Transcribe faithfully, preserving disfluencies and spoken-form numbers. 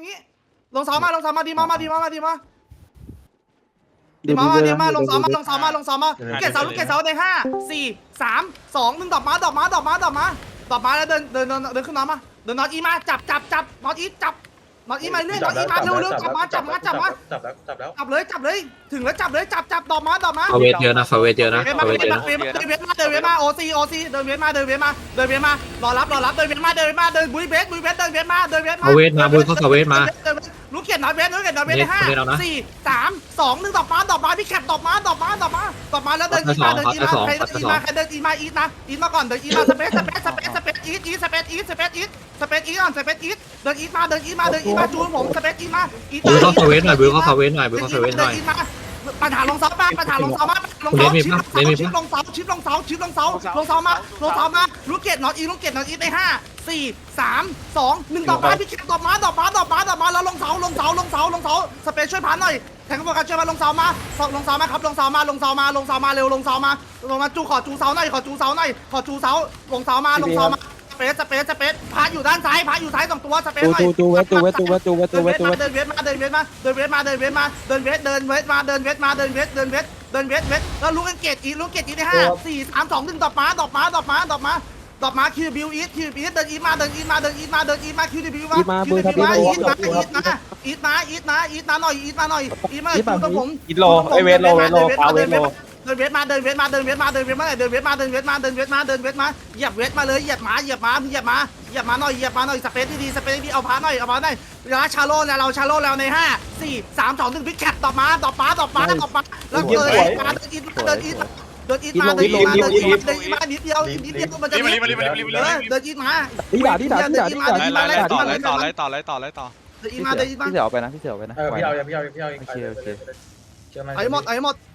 งี้ลงเสามาลงเสามาดีมามาดีมามาดีมาดีมามาดีมาลงเสามาลงเสามาลงเสามาลูกเกดเสาลูกเกดเสาในห้าสี่สามสองหนึ่งดอกมาดอกมาดอกมาดอกมาดอกมาแล้วเดินเดินเดินขึ้นมามาเดินนอตอีมาจับจับจับนอตอีจับนอตอีมาเรื่อยนอตอีมาเร็วเร็วจับมาจับมาจับมาจับแล้วจับแล้วจับเลยจับเลยถึงแล้วจับเลยจับจับดอกมาดอกมาเขาเวทเยอะนะเขาเวทเยอะนะเดินมาเขาเวเดิทนเยอะมานะเดินมาเดินเวทมาเดินเวทมาโอซีโอซีเดินเวทมาเดินเวทมาเดินเวทมารอรับรอรับเดินเวทมาเดินเวทมาเดินบุยเวทบุยเวทเดินเวทมาเดินเวทมาเขาเวทมาบุญเขาเขาเวทมาลูกเกียรนอตเวทลูกเกียรนอตเวทในห้าสี่สามสองหนึ่งดอกมาดอกมาพี่แคปดอกมาดอกมาดอกมาดอกมาแล้วเดินอีมาเดินอีมาใครเดินอีมาใครเดินอีมาอีทนะอีทมาก่อนเดินอีมาสเปซสเปซสเปซสเปซอีทอีทสเปซอีทสเปซอีทสเปซอีทก่อนสเปซอีทเดินอีทมาเดินอีทมาเดินอีทมาจูนผมสเปซอีทมาอีทบุญเขาเขาเวทหน่อยบุญเขาเขาเวทหน่อยบุญเขาเขาเวทหน่อยปัญหาลงเสาบ้างปัญหาลงเสาบ้างลงเสาชิปลงเสาชิปลงเสาชิปลงเสาชิปลงเสาลงเสามาลงเสามาลูกเกดนอตอีลูกเกดนอตอีในห้าสี่สามสองหนึ่งดอกไม้พี่เกดดอกไม้ดอกไม้ดอกไม้ดอกไม้แล้วลงเสาลงเสาลงเสาลงเสาสเปซช่วยพันหน่อยแทงกระบอกการช่วยมาลงเสามาลงเสามาครับลงเสามาลงเสามาลงเสามาเร็วลงเสามาลงมาจูขอจูเสาหน่อยขอจูเสาหน่อยขอจูเสาลงเสามาลงเสามาสเปซสเปซสเปซพาอยู่ด้านซ้ายพาอยู่ซ้ายสองตัวสเปซหน่อยตูตูเวทตูเวทตูเวทตูเวทตูเวทตูเวทเดินเวทมาเดินเวทมาเดินเวทมาเดินเวทมาเดินเวทเดินเวทมาเดินเวทมาเดินเวทเดินเวทเดินเวทเวทแล้วลูกเกตอีลูกเกตอีในห้าสี่สามสองหนึ่งดอกมาดอกมาดอกมาดอกมาดอกมาคิวบิวอีทคิวบิวเดินอีทมาเดินอีทมาเดินอีทมาเดินอีทมาคิวบิวมาคิวบิวมาอีทมาอีทมาอีทมาอีทมาอีทมาหน่อยอีทมาหน่อยอีทมาอยู่กับผมอิโลไอเวทโลเวทโลพาเวทโลเดินเวทมาเดินเวทมาเดินเวทมาเดินเวทมาเดินเวทมาเดินเวทมาเดินเวทมาเดินเวทมาเหยียบเวทมาเลยเหยียบหมาเหยียบหมาเหยียบหมาเหยียบหมาหน่อยเหยียบหมาหน่อยสเปซดีๆสเปซดีๆเอาพาหน่อยเอาพาหน่อยแล้วชาโลแล้วเราชาโลแล้วในห้าสี่สามสองหนึ่งพิกแคปต่อมาต่อมาต่อมาต่อมาแล้วเดินมาเดินอีทเดินอีทเดินอีทมาเดินอีทมาเดินอีทเดินอีทมานิดเดียวนิดเดียวมันจะเดินอีทมาดีด่าดีด่าดีด่าดีด่าไล่ไล่ต่อไล่ต่อไล่ต่อไล่ต่อไล่ต่อเดินอีทมาเดินอีทมาพี่เสี่ยวไปนะพี่เสี่ยวไปนะเออพี่เอาพี่เอาพี่เอาโอเคโอเคเชื่อไหมไอ้หมดไอ้หมด